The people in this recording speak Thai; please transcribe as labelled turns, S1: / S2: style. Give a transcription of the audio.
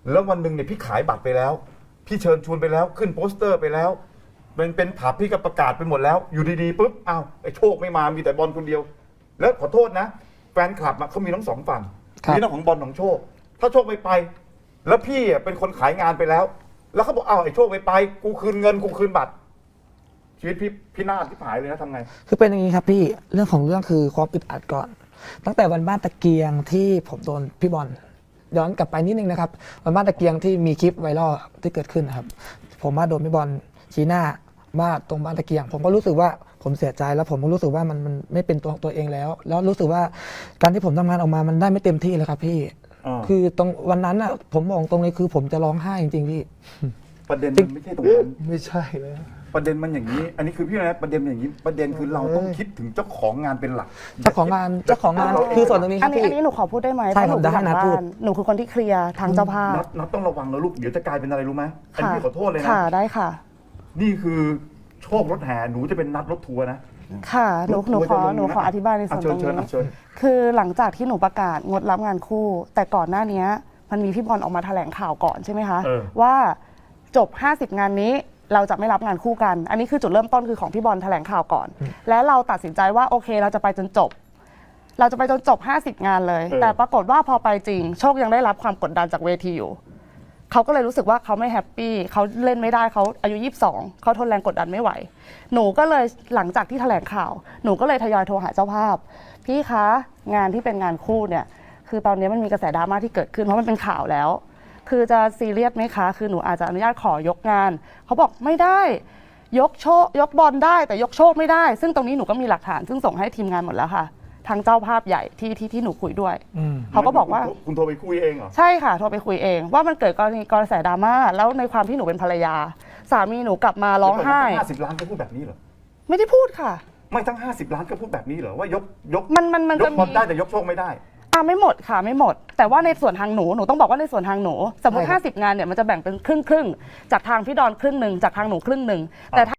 S1: แล้ววันหนึ่งเนี่ยพี่ขายบัตรไปแล้วพี่เชิญชวนไปแล้วขึ้นโปสเตอร์ไปแล้วเป็นผับพี่ก็ประกาศไปหมดแล้วอยู่ดีๆปุ๊บอ้าวไอ้โชคไม่มามีแต่บอลคนเดียวแล้วขอโทษนะแฟนคลับเขามีทั้งสองฝั่งมีทั้งของบอลของโชคถ้าโชคไม่ไปแล้วพี่เป็นคนขายงานไปแล้วแล้วเขาบอกอ้าวไอ้โชคไม่ไปกูคืนเงินกูคืนบัตรชีวิตพี่นาศที่หายเลยนะทำไง
S2: คือเป็นอย่างนี้ครับพี่เรื่องของเรื่องคือความอึดอัดก่อนตั้งแต่วันบ้านตะเกียงที่ผมโดนพี่บอลย้อนกลับไปนิดนึงนะครับวันบ้านตะเกียงที่มีคลิปไวรัลที่เกิดขึ้นนะครับผมมาโดนพี่บอลชี้หน้าว่าตรงบ้านตะเกียงผมก็รู้สึกว่าผมเสียใจแล้วผมก็รู้สึกว่ามันไม่เป็นตัวเองแล้วรู้สึกว่าการที่ผมทำงานออกมามันได้ไม่เต็มที่เลยครับพี่คือตรงวันนั้นอ่ะผมมองตรงนี้คือผมจะร้องไห้จริงๆพี่
S1: ประเด็นมันไม่ใช่ตรงนั้น
S2: ไม่ใช่เลย
S1: ประเด็นมันอย่างนี้อันนี้คือพี่นะประเด็นอย่างนี้ประเด็นคือเราต้องคิดถึงเจ้าของงานเป็นหลัก
S2: เจ้าของงานคือส่วนตรงนี้ครับพี่
S3: อันนี้หนูขอพูดได้ไหม
S2: ใช่ครับได้ให้นัดพูด
S3: หนูคือคนที่เคลียร์ทางเจ้าภาพ
S1: นัดต้องระวังนะลูกเดี๋ยวจะกลายเป็นอะไรรู้ไหมอันนี้ขอโทษเลยนะ
S3: ค่ะได้ค่ะ
S1: นี่คือโชครถแห่หนูจะเป็นนัดรถทัวร์นะ
S3: ค่ะหนูขออธิบายในส่วนตรงนี้คือหลังจากที่หนูประกาศงดรับงานคู่แต่ก่อนหน้านี้มันมีพี่บอลออกมาแถลงข่าวก่อนใช่ไหมคะว่าจบ50งานนี้เราจะไม่รับงานคู่กันอันนี้คือจุดเริ่มต้นคือของพี่บอลแถลงข่าวก่อนและเราตัดสินใจว่าโอเคเราจะไปจนจบ50งานเลยแต่ปรากฏว่าพอไปจริงโชคยังได้รับความกดดันจากเวทีอยู่เขาก็เลยรู้สึกว่าเขาไม่แฮปปี้เขาเล่นไม่ได้เขาอายุ22เขาทนแรงกดดันไม่ไหวหนูก็เลยหลังจากที่แถลงข่าวหนูก็เลยทยอยโทรหาเจ้าภาพพี่คะงานที่เป็นงานคู่เนี่ยคือตอนนี้มันมีกระแสดราม่าที่เกิดขึ้นเพราะมันเป็นข่าวแล้วคือจะซีเรียสไหมคะคือหนูอาจจะอนุญาตขอยกงานเขาบอกไม่ได้ยกบอลได้แต่ยกโชคไม่ได้ซึ่งตรงนี้หนูก็มีหลักฐานซึ่งส่งให้ทีมงานหมดแล้วค่ะทางเจ้าภาพใหญ่ที่หนูคุยด้วยเขาก็บอกว่า
S1: คุณโทรไปคุยเองเหรอ
S3: ใช่ค่ะโทรไปคุยเองว่ามันเกิดกระแสดราม่าแล้วในความที่หนูเป็นภรรยาสามีหนูกลับมาร้องไห้
S1: 50 ล้านก็พูดแบบนี้เหรอ
S3: ไม่ได้พูดค่ะ
S1: ไม่ทั้ง50 ล้านก็พูดแบบนี้เหรอว่ายก
S3: มัน
S1: จะมีได้แต่ยกโชคไม่ได้
S3: ไม่หมดค่ะไม่หมดแต่ว่าในส่วนทางหนูต้องบอกว่าในส่วนทางหนูสมมติ50งานเนี่ยมันจะแบ่งเป็นครึ่งจากทางพี่ดอนครึ่งหนึ่งจากทางหนูครึ่งหนึ่งแต่